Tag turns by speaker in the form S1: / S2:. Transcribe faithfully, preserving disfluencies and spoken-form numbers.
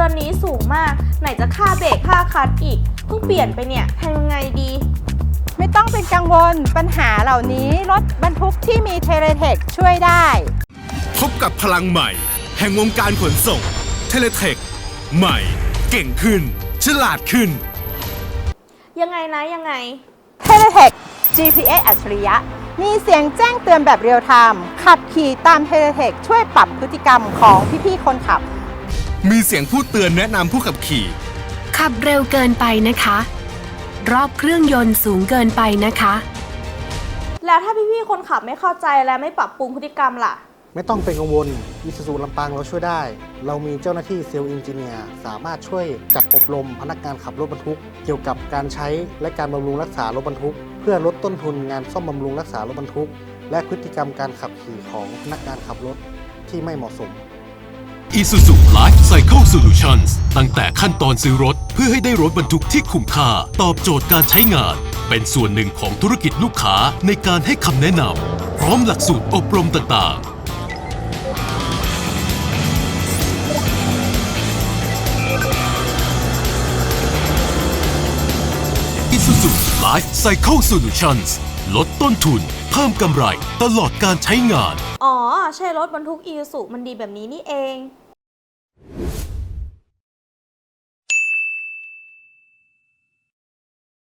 S1: อนนี้สูงมากไหนจะค่าเบรกค่าคลัตช์อีกเพิ่งเปลี่ยนไปเนี่ยทำยังไงดี
S2: ไม่ต้องเป็นกังวลปัญหาเหล่านี้รถบรรทุกที่มีเทเลเทคช่วยได้
S3: พบกับพลังใหม่แห่งวงการขนส่งเทเลเทคใหม่เก่งขึ้นฉลาดขึ้น
S1: ยังไงนะยังไง
S2: เทเลเทค จี พี เอส อัจฉริยะมีเสียงแจ้งเตือนแบบเรียลไทม์ขับขี่ตามเทเลเทคช่วยปรับพฤติกรรมของพี่ๆคนขับ
S3: มีเสียงพูดเตือนแนะนำผู้ขับขี่
S4: ขับเร็วเกินไปนะคะรอบเครื่องยนต์สูงเกินไปนะคะ
S1: แล้วถ้าพี่ๆคนขับไม่เข้าใจและไม่ปรับปรุงพฤติกรรมล่ะ
S5: ไม่ต้องเป็นกังวลอิซูซูลำปางเราช่วยได้เรามีเจ้าหน้าที่เซลล์เอนจิเนียร์สามารถช่วยจัดอบรมพนักงานขับรถบรรทุกเกี่ยวกับการใช้และการบำรุงรักษารถบรรทุกเพื่อลดต้นทุนงานซ่อมบำรุงรักษารถบรรทุกและพฤติกรรมการขับขี่ของพนักงานขับรถที่ไม่เหมาะสม
S6: Isuzu Life Cycle Solutions ตั้งแต่ขั้นตอนซื้อรถเพื่อให้ได้รถบรรทุกที่คุ้มค่าตอบโจทย์การใช้งานเป็นส่วนหนึ่งของธุรกิจลูกค้าในการให้คำแนะนำพร้อมหลักสูตรอบรมต่างๆIsuzu Life Cycle Solutions ลดต้นทุนเพิ่มกำไรตลอดการใช้งาน
S1: อ๋อใช่รถบรรทุกอีซูซูมันดีแบบนี้นี่เอง